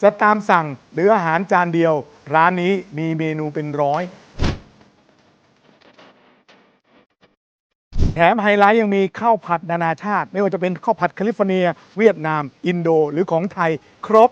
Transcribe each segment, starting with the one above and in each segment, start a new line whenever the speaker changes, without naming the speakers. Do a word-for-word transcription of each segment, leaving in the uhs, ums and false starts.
จะตามสั่งหรืออาหารจานเดียวร้านนี้มีเมนูเป็นร้อยแถมไฮไลท์ยังมีข้าวผัดนานาชาติไม่ว่าจะเป็นข้าวผัดแคลิฟอร์เนียเวียดนามอินโดหรือของไทยครบ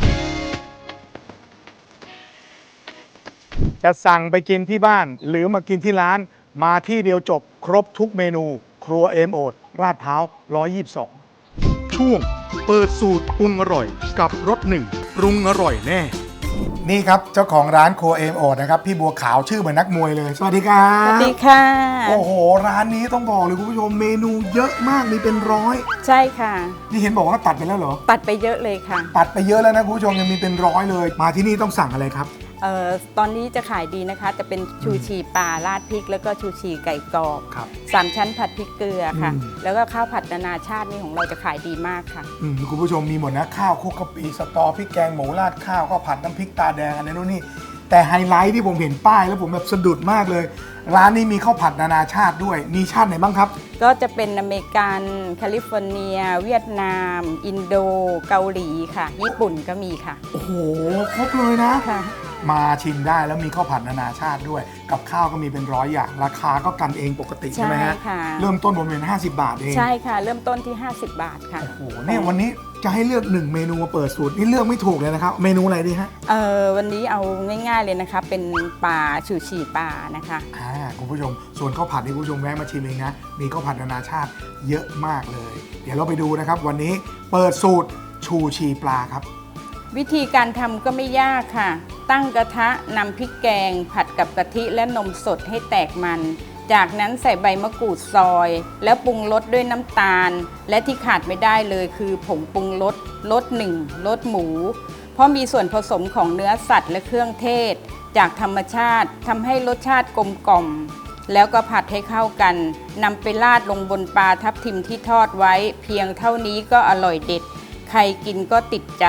จะสั่งไปกินที่บ้านหรือมากินที่ร้านมาที่เดียวจบครบทุกเมนูครัวเอ็มโอดลาดพร้าวหนึ่งร้อยยี่สิบสองช่วงเปิดสูตรปรุงอร่อยกับรสหนึ่งปรุงอร่อยแน่นี่ครับเจ้าของร้านครัวเอ็มโอดนะครับพี่บัวขาวชื่อเหมือนนักมวยเลยสวัสดีครับ
สวัสดีค่ะ
โอ้โหร้านนี้ต้องบอกเลยคุณผู้ชมเมนูเยอะมากมีเป็นร้อย
ใช่ค่ะ
นี่เห็นบอกว่าตัดไปแล้วเหรอ
ตัดไปเยอะเลยค่ะ
ตัดไปเยอะแล้วนะคุณผู้ชมยังมีเป็นร้อยเลยมาที่นี่ต้องสั่งอะไรครับ
เอ่อตอนนี้จะขายดีนะคะจะเป็นชูชีปลาราดพริกแล้วก็ชูชีไก่กรอบสามชั้นผัดพริกเกลือค่ะแล้วก็ข้าวผัดนานาชาตินี่ของเราจะขายดีมากค่ะ
อืมคุณผู้ชมมีหมดนะข้าวคลุกกะปิสตอพริกแกงหมูราดข้าวข้าวผัดน้ำพริกตาแดงอะไรนู่นนี่แต่ไฮไลท์ที่ผมเห็นป้ายแล้วผมแบบสะดุดมากเลยร้านนี้มีข้าวผัดนานาชาติด้วยมีชาติไหนบ้างครับ
ก็จะเป็นอเมริกันแคลิฟอร์เนียเวียดนามอินโดเกาหลีค่ะญี่ปุ่นก็มีค่ะ
โอ้โหครบเลยนะ
ค่ะ
มาชิมได้แล้วมีข้าวผัดนานาชาติด้วยกับข้าวก็มีเป็นร้อยอย่างราคาก็กันเองปกติใช่ไหมฮะเริ่มต้นผมเป็นห้าสิบบาทเอง
ใช่ค่ะเริ่มต้นที่ห้าสิบบาทค่ะ
โอ้โหเนี่ยวันนี้จะให้เลือกหนึ่งเมนูมาเปิดสูตรนี่เลือกไม่ถูกเลยนะครับเมนูอะไรดีฮะ
เออวันนี้เอาง่ายๆเลยนะคะเป็นปลาชูชีปลานะคะ
อ่าคุณผู้ชมส่วนข้าวผัดนี่คุณผู้ชมแวะมาชิมเองนะมีข้าวผัดนานาชาติเยอะมากเลยเดี๋ยวเราไปดูนะครับวันนี้เปิดสูตรชูชีปลาครับ
วิธีการทำก็ไม่ยากค่ะตั้งกระทะนำพริกแกงผัดกับกะทิและนมสดให้แตกมันจากนั้นใส่ใบมะกรูดซอยแล้วปรุงรสด้วยน้ำตาลและที่ขาดไม่ได้เลยคือผงปรุงรสรสหนึ่งรสหมูเพราะมีส่วนผสมของเนื้อสัตว์และเครื่องเทศจากธรรมชาติทำให้รสชาติกลมกล่อมแล้วก็ผัดให้เข้ากันนำไปราดลงบนปลาทับทิมที่ทอดไว้เพียงเท่านี้ก็อร่อยเด็ดใครกินก็ติดใจ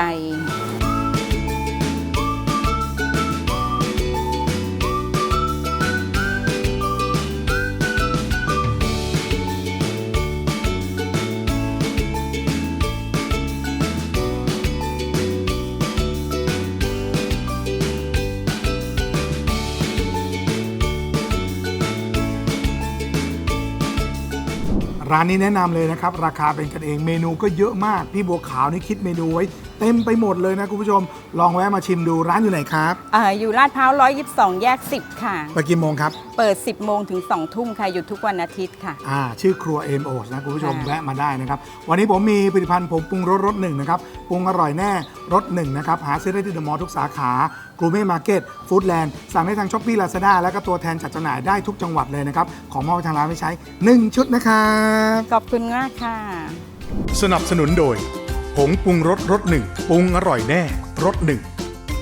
ร้านนี้แนะนำเลยนะครับราคาเป็นกันเองเมนูก็เยอะมากพี่บัวขาวนี่คิดเมนูไว้เต็มไปหมดเลยนะคุณผู้ชมลองแวะมาชิมดูร้านอยู่ไหนครับ
อ่าอยู่ลาดพร้าวหนึ่งร้อยยี่สิบสองแยกสิบค่ะ
ไปกี่โมงครับ
เปิดสิบโมงถึงสองทุ่มค่ะหยุดทุกวันอาทิตย์ค่ะ
อ่าชื่อครัวเอ็มโอสนะคุณผู้ชมแวะมาได้นะครับวันนี้ผมมีผลิตภัณฑ์ผมปรุงรสรสหนึ่งนะครับปรุงอร่อยแน่รสหนึ่งนะครับหาซื้อได้ที่เดอะมอลล์ทุกสาขากรูเม่มาร์เก็ตฟู้ดแลนด์สั่งได้ทางช้อปปี้ลาซาด้าแล้วก็ตัวแทนจัดจำหน่ายได้ทุกจังหวัดเลยนะครับของมอบทางร้านไปใช้หนึ่งชุดนะครับ
ขอบคุณมากค่ะ
สนับสนุนโดยผงปรุงรสรสหนึ่งปรุงอร่อยแน่รสหนึ่ง